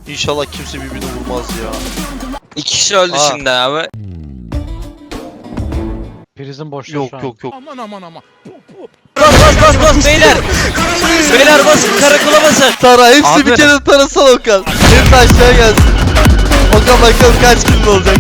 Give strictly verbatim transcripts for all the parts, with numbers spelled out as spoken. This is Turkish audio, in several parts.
İnşallah kimse birbirini vurmaz ya. İki kişi öldü Aa. şimdi abi. Prizin boşta Yok şu an. yok yok. Aman aman aman. Bas bas bas bas beyler. Beyler basın, karakola basın. Tara hepsi Abi. bir kere tarasal Okan. Hepsi aşağı gelsin. Okan bakalım kaç kill olacak.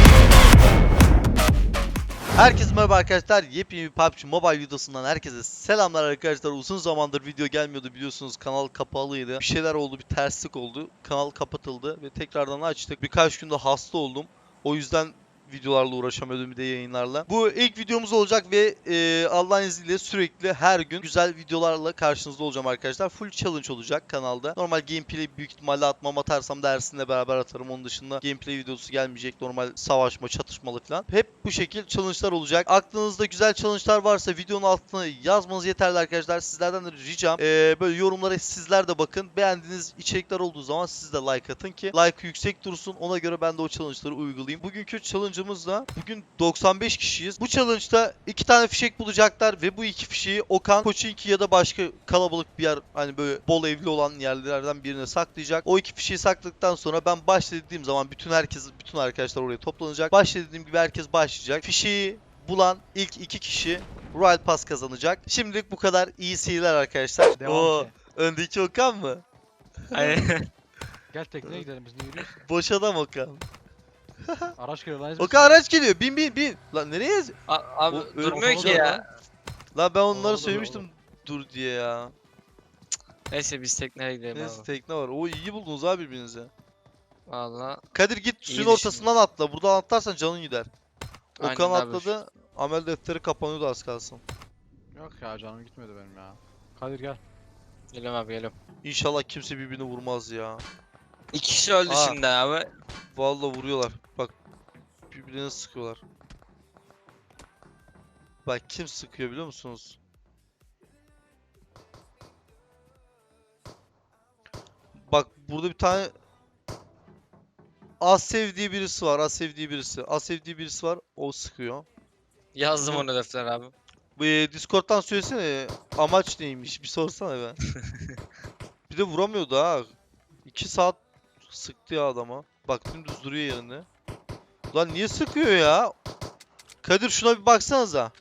Herkese merhaba arkadaşlar. Yepyeni bir P U B G Mobile videosundan herkese selamlar arkadaşlar. Uzun zamandır video gelmiyordu biliyorsunuz. Kanal kapalıydı. Bir şeyler oldu, bir terslik oldu. Kanal kapatıldı ve tekrardan açtık. Birkaç günde hasta oldum. O yüzden videolarla uğraşamıyordum, bir de yayınlarla. Bu ilk videomuz olacak ve e, Allah'ın izniyle sürekli her gün güzel videolarla karşınızda olacağım arkadaşlar. Full challenge olacak kanalda. Normal gameplay büyük ihtimalle atmam, atarsam da Ersin'le beraber atarım. Onun dışında gameplay videosu gelmeyecek. Normal savaşma, çatışmalı falan. Hep bu şekil challenge'lar olacak. Aklınızda güzel challenge'lar varsa videonun altına yazmanız yeterli arkadaşlar. Sizlerden de ricam e, böyle yorumlara sizler de bakın. Beğendiğiniz içerikler olduğu zaman siz de like atın ki like yüksek dursun. Ona göre ben de o challenge'ları uygulayayım. Bugünkü challenge da bugün doksan beş kişiyiz. Bu challenge'da iki tane fişek bulacaklar ve bu iki fişeği Okan, Koçinki ya da başka kalabalık bir yer, hani böyle bol evli olan yerlerden birine saklayacak. O iki fişeği sakladıktan sonra ben başla dediğim zaman bütün herkes, bütün arkadaşlar oraya toplanacak. Başla dediğim gibi herkes başlayacak. Fişeği bulan ilk iki kişi Royal Pass kazanacak. Şimdilik bu kadar. İyi seyirler arkadaşlar. Devam Oo, ki. öndeki Okan mı? Aynen. Gel tekneye gidelim, biz niye yürüyoruz? Boş adam Okan. Araç geliyor lan. Okan araç geliyor. Bin bin bin. Lan nereye? A- abi O- durmuyor o- ki ya. Lan ben onlara Oğlum, söylemiştim dur diye ya. Neyse biz tekneye gidelim Neyse abi. tekne var. O iyi buldunuz abi birbirinize. Valla. Kadir git suyun düşündün. ortasından atla. Buradan atlarsan canın gider. Aynen Okan abi. atladı. Amel defteri kapanıyordu az kalsın. Yok ya, canım gitmedi benim ya. Kadir gel. Geliyorum abi geliyorum. İnşallah kimse birbirini vurmaz ya. İki kişi öldü Aa. şimdi abi. Vallahi vuruyorlar. Bak birbirine sıkıyorlar. Bak kim sıkıyor biliyor musunuz? Bak burada bir tane az sevdiği birisi var. Az sevdiği birisi. Az sevdiği birisi var. O sıkıyor. Yazdım Hı. onu defter abi. Bu e, Discord'dan söylesene amaç neymiş bir sorsana be. Bir de vuramıyordu ha. iki saat sıktı ya adama. Bak dümdüz duruyor yerinde. Lan niye sıkıyor ya? Kadir şuna bir baksanıza.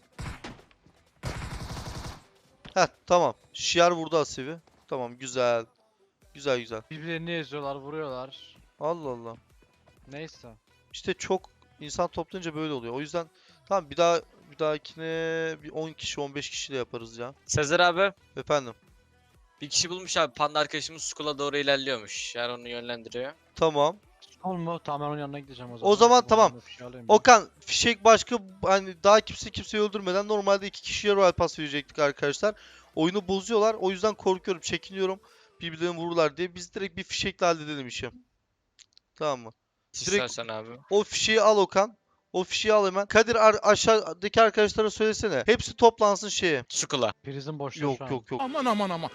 Heh tamam. Şiar vurdu Asiv'i. Tamam güzel. Güzel güzel. Birbirlerini eziyorlar, vuruyorlar. Allah Allah. Neyse. İşte çok insan toplayınca böyle oluyor. O yüzden tamam bir daha bir dahakine bir on kişi on beş kişiyle yaparız ya. Sezer abi. Efendim. Bir kişi bulmuş abi. Panda arkadaşımız Skull'a doğru ilerliyormuş. Yani onu yönlendiriyor. Tamam. Tamam mı? Tamam, ben onun yanına gideceğim o zaman. O zaman Oradan tamam. da fişeği alayım ben. Okan fişek başka, hani daha kimse kimseyi öldürmeden normalde iki kişiye Royal Pass verecektik arkadaşlar. Oyunu bozuyorlar. O yüzden korkuyorum, çekiniyorum. Birbirlerini vururlar diye. Biz direkt bir fişekle halledelim işi. Tamam mı? Direkt İstersen abi. o fişeği al Okan. O fişeği al hemen. Kadir ar- aşağıdaki arkadaşlara söylesene. Hepsi toplansın şeye. Skull'a. Prizin boşta Yok şu an. yok yok. Aman aman aman.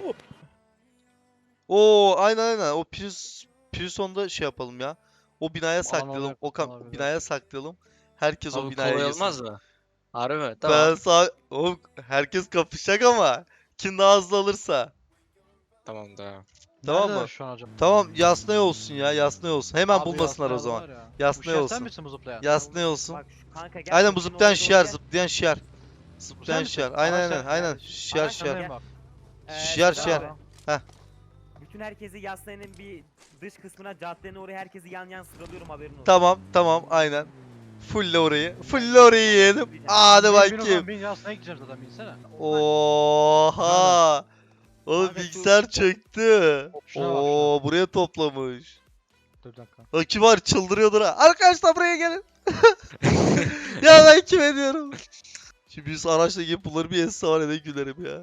Oo aynen aynen. O Pris Prison'da şey yapalım ya. O binaya Aman saklayalım. olabilir, Okan olabilir. binaya saklayalım. Herkes o Abi binaya kolay girsin. olmaz mı? Harbi mi? Ben Tamam. sağ... Oğlum herkes kapışacak ama kim daha hızlı alırsa. Tamam tamam. Tamam Neredeler mı? şu an acaba? Tamam Yasnaya olsun ya, Yasnaya olsun. Hemen Abi bulmasınlar o Yasnaya zaman. var ya. Yasnaya Bu olsun. Sen misin bu zıplayan? Yasnaya olsun. Bak şu kanka gel. Aynen bu şunun zıplayan olduğu şiar, yer- zıplayan şiar. Zıplayan misin? şiar. Aynen Araç aynen sen- aynen. yani. Şiar Araç şiar. Şiar. Bak. Ee, Şiar, Sezer şiar. abi. Heh. Bütün herkesi Yaslaya'nın bir dış kısmına, caddenin oraya herkesi yan yan sıralıyorum, haberin olsun. Tamam tamam aynen. Fulle orayı. Fulle orayı yiyelim. Hadi Bin, bin bakayım. Okan, bin Yasnaya gideceğim zaten, binsene. Oha. Oğlum Kanka şu- bilgisayar çöktü. Şuna bak, Oo buraya toplamış. Dur bir dakika. O kim var, çıldırıyordur ha. Arkadaşlar buraya gelin. Ya ben kim ediyorum? Şimdi biz araçla gelip bunları bir esse var ya, ne gülerim ya.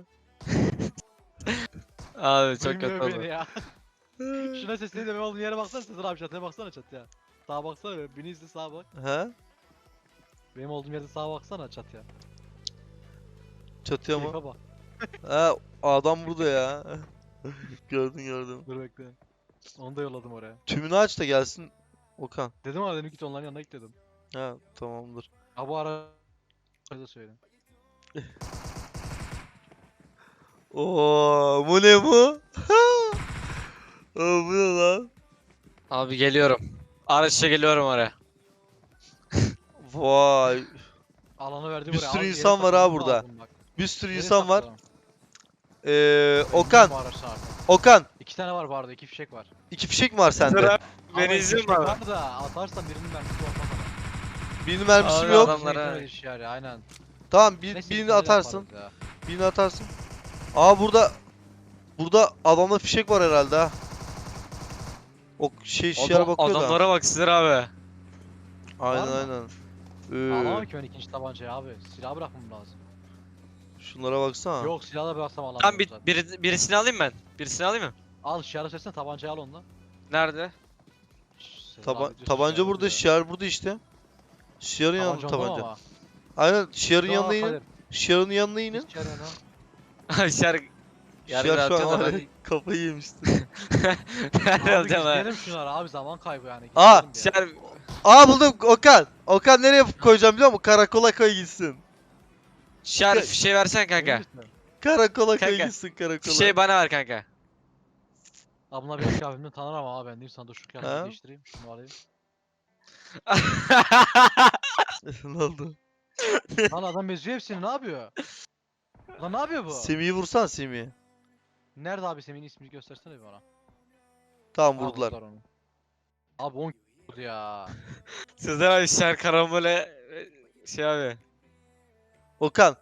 Abi çok Duymuyor kötü beni oldu. ya. Şuna sesini de ben olduğum yere baksana Sezer abi, çatıya baksana çatıya. Sağa baksana, beni izle, sağa bak. Ha? Benim olduğum yerde sağa baksana çatıya. Çatıya mı? Keyfe bak. Ha adam burada ya. Gördün gördüm. Dur bekle. Onu da yolladım oraya. Tümünü aç da gelsin Okan. Dedim ama dedim git onların yanına git dedim. Ha tamamdır. Ha bu ara da söyle. Oo bu ne bu? Aa, bu ne lan? Abi geliyorum. Araçla geliyorum oraya. Vay. Alanı verdi Bir buraya. sürü Abi, yere insan var ha saklamamız burada. lazım bak. Bir sürü Nereye insan var. saklayalım? Ee, Ben Okan, bilmiyorum bu araçlar artık. Okan. İki tane var bu arada, iki fişek var. iki fişek mi var sende? Sıra- Ama Beni iki izliyor fişek mu abi? var da atarsan birinin mermisi olmaz ama. Benim mermisim Abi yok. adam- Adamlara- Adamlara. Iş yani, aynen. Tamam bir, Neyse, birini ikincileri atarsın. yaparız ya. Birini atarsın. Aa burada burada adamda fişek var herhalde ha. O şey şişere Adam, bakıyor da. adamlara bak Sıdır abi. Aynen Var mı? aynen. Alamam Ee, ki ben ikinci tabancayı abi. Silah bırakmam lazım. şunlara baksana. Yok, silahla bıraksam alamam. Tamam bir, zaten. biri, birisini alayım ben. Birisini alayım mı? Al şiarı seçsene, tabancayı al ondan. Nerede? Şşş, Sezer Taba- abi diyorsun, tabanca şiarı burada, diyor. şiar burada işte. Şiarın yanında Tabanca onda tabanca. ama. Aynen şiarın Daha yanına inin. Kadir, Şiarın yanına inin. hiç şiarı yana. Abi şer... Yarın Şiar şu atıyor an da var ben... ya, kafayı yemişti. Nerede Abi alacağım ha? gizleyelim şunları abi, zaman kaybı yani. Aa, gizleyelim bir yere. Şer... Aa buldum Okan. Okan nereye koyacağım biliyor musun? Karakola koy gitsin. Şer fişeği versen kanka. Emin misin? Karakola koy Kanka, gitsin karakola. Fişeği bana ver kanka. Abla benim kıyafetimden tanır ama abi, ben diyeyim sana, dur şu kıyafeti Ha? değiştireyim. Şunu alayım. Ne oldu? Lan adam beziyor hepsini, ne yapıyor? Lan ne yapıyor bu? Semih'i vursan Semih'i. Nerede abi, Semih'in ismini göstersene bir bana. Tamam Aa, vurdular. onu. Abi on vurdu ya. Sizde abi şer karambole... Şey abi. Okan.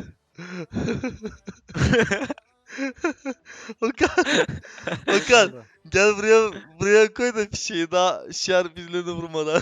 Okan. Okan gel buraya buraya koy da fişeği daha şiar birilerine vurmadan.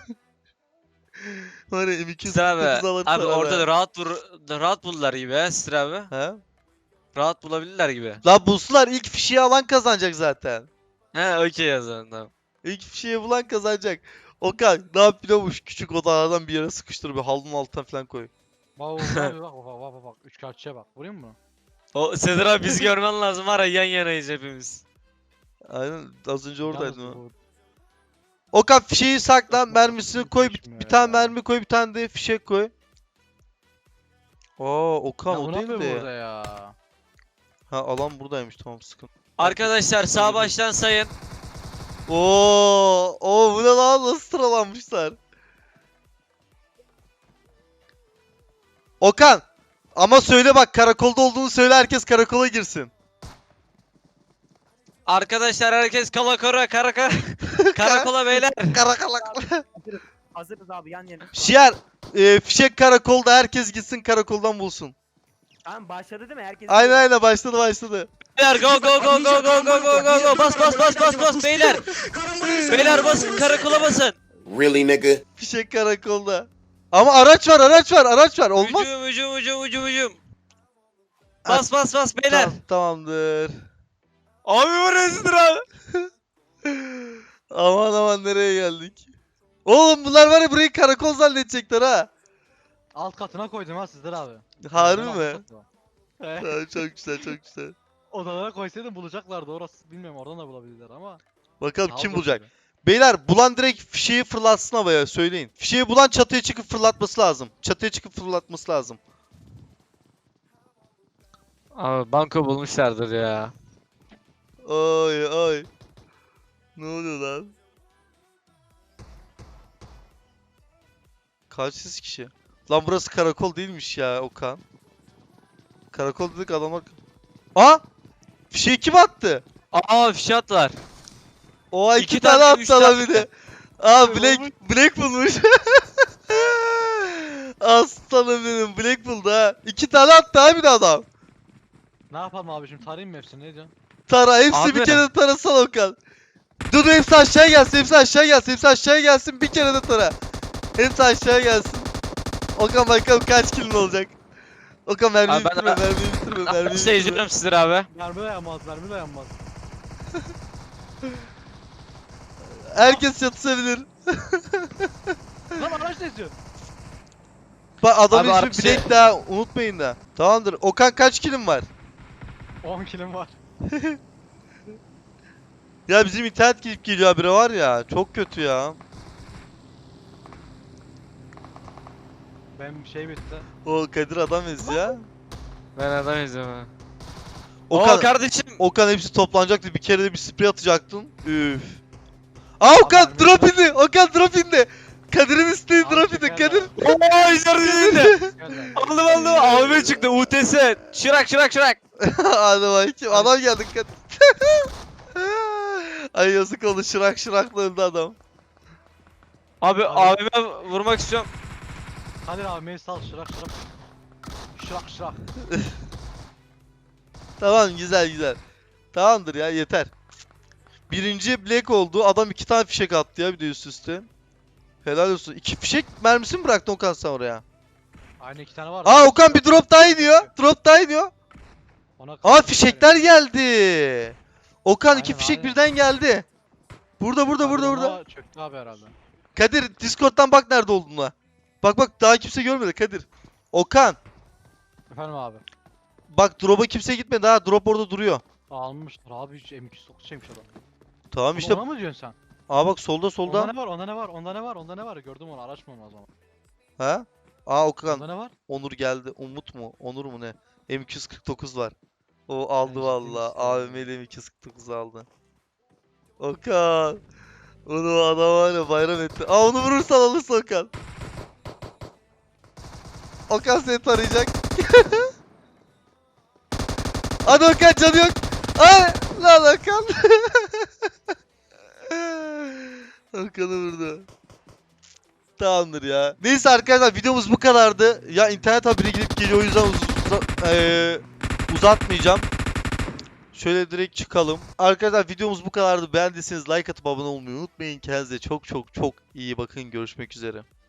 Var ya M iki yüz Sıdır kırk dokuz abi. alır Abi sana orada be. da rahat vur... Rahat buldular gibi he Sıdır abi. He? Rahat bulabilirler gibi. La bulsular ilk fişeği alan kazanacak zaten. He okey o zaman tamam. İlk fişeği bulan kazanacak. Okan ne yapıyormuş küçük odalardan bir yere sıkıştır bir halının altına falan koy. Bak bak bak bak bak bak bak bak, üç kağıtçıya bak, vurayım mı? O Sezer abi bizi görmen lazım var ya, yan yanayız hepimiz. Aynen az önce oradaydın Yalnız o. bu- Okan fişeği sakla Çok mermisini çok koy bir, geçmiyor bir tane ya. mermi koy bir tane de fişek koy. Aa Okan Ya o bu ne değil yapıyor de. burada ya? Ha alan buradaymış tamam sıkıntı. Arkadaşlar sağ baştan sayın. Oo, o bu ne lan nasıl sıralanmışlar? Okan ama söyle bak karakolda olduğunu söyle herkes karakola girsin. Arkadaşlar herkes kalakora karakara karakola beyler. Karakola. Hazırız, hazırız abi, yan yana. Şiar e, fişek karakolda herkes gitsin karakoldan bulsun. Tamam, başladı değil mi? Herkes Aynen aynen başladı başladı. Beyler go go go go go go go go go bas bas bas bas bas beyler. Beyler basın karakola basın. Really, nigga? Fişek karakolda. Ama araç var araç var araç var olmaz. Hücum hücum hücum hücum hücum. Bas bas bas beyler. Tamam, tamamdır. Abi bu rezildir abi. Aman aman nereye geldik? Oğlum bunlar var ya burayı karakol zannedecekler ha. Alt katına koydum ha Sizler abi. Harbi Alt mi? katına. He. Tamam, çok güzel çok güzel. Odalara koysaydım bulacaklardı, orası bilmiyorum, oradan da bulabilirler ama. Bakalım Daha kim zor bulacak? tabii. Beyler bulan direkt fişeği fırlatsın havaya söyleyin. Fişeği bulan çatıya çıkıp fırlatması lazım. Çatıya çıkıp fırlatması lazım. Abi banko bulmuşlardır ya. Ay ay. Ne oluyor lan? Kaç yüz kişi? Lan burası karakol değilmiş ya Okan. Karakol dedik adamlar... Aa! Fişeği kim attı? Aa fişat var. O iki, İki tane, tane, üç attı lan tane. bir de. Aa Ne Black, olmuş? Black bulmuş. Aslanım benim Black buldu ha. İki tane attı abi de adam. Ne yapalım abi, şimdi tarayayım mı hepsini, ne diyorsun? Tara hepsi bir Abi. kere de tarasana Okan. Dur dur, hepsi aşağı gelsin hepsi aşağı gelsin hepsi aşağı gelsin bir kere de tara. Hepsi aşağı gelsin. Okan bakalım kaç kilin olacak. Okan mermiyi Abi ben- bitirme mermiyi bitirme mermiyi Nasıl bitirme. izliyorum Sizdir abi. Mermi dayanmaz, mermi dayanmaz. Herkes çatışabilir. Lan araç ne istiyor? Bak adamın Abi ismi arası- Black daha unutmayın da. Tamamdır. Okan kaç kilin var? on kilim var. Ya bizim internet gidip geliyor habire var ya. Çok kötü ya. Benim şey bitti. O Kadir adam eziyor. Ben adam izliyorum ha. Okan, Oo kardeşim. Okan hepsi toplanacaktı. Bir kere de bir sprey atacaktın. Üf. Aa Okan Abi, drop indi. Okan drop indi. Kadir'in isteği Abi, drop indi. şeker Kadir. abi. Oo içerisinde. Gel Aldım aldım. A V M çıktı. U T S. Şırak şırak şırak. Hadi bakayım. Adam geldi. Kadir. Ay yazık oldu. Şırak şırakla öldü adam. Abi Abi. A V M vurmak istiyorum. Kadir abi beni sal şırak şırak. Şırak şırak. Tamam güzel güzel. Tamamdır ya yeter. Birinci Black oldu. Adam iki tane fişek attı ya bir de üst üste. Helal olsun. İki fişek mermisi mi bıraktın Okan sen oraya? Aynı iki tane var. Aa Okan bir drop daha iniyor. Drop daha iniyor. Ona Aa karşı fişekler geldi. Okan iki Aynen, fişek aynen. birden geldi. Burada burada Kadir burada ona burada. Çöktü abi herhalde. Kadir Discord'dan bak nerede olduğuna. Bak bak daha kimse görmedi Kadir. Okan Efendim abi. bak drop'a kimse gitmedi ha. Drop orada duruyor. Almışlar abi hiç M iki yüz dokuz şeymiş adam. Tamam İşte işte. ona mı diyorsun sen? Aa bak solda Onda solda. ne var? Onda ne var? Onda ne var? Onda ne var? Gördüm onu. Araç mı onu o zaman? Ha? Aa Okan. Onda ne var? Onur geldi. Umut mu? Onur mu ne? M iki yüz kırk dokuz var. O aldı ciddi valla. misin ya? A V M'li M iki yüz kırk dokuz aldı. Okan. Onu adam var ya bayram etti. Aa onu vurursan alırsa Okan. Okan seni tarayacak. Hadi Okan canı yok. Ay lan Okan. Okan'ı vurdu. Tamamdır ya. Neyse arkadaşlar videomuz bu kadardı. Ya internet haberi gidip geliyor o yüzden uz uza- eee, uzatmayacağım. Şöyle direkt çıkalım. Arkadaşlar videomuz bu kadardı. Beğendiyseniz like atıp abone olmayı unutmayın. Kendinize çok çok çok iyi bakın. Görüşmek üzere.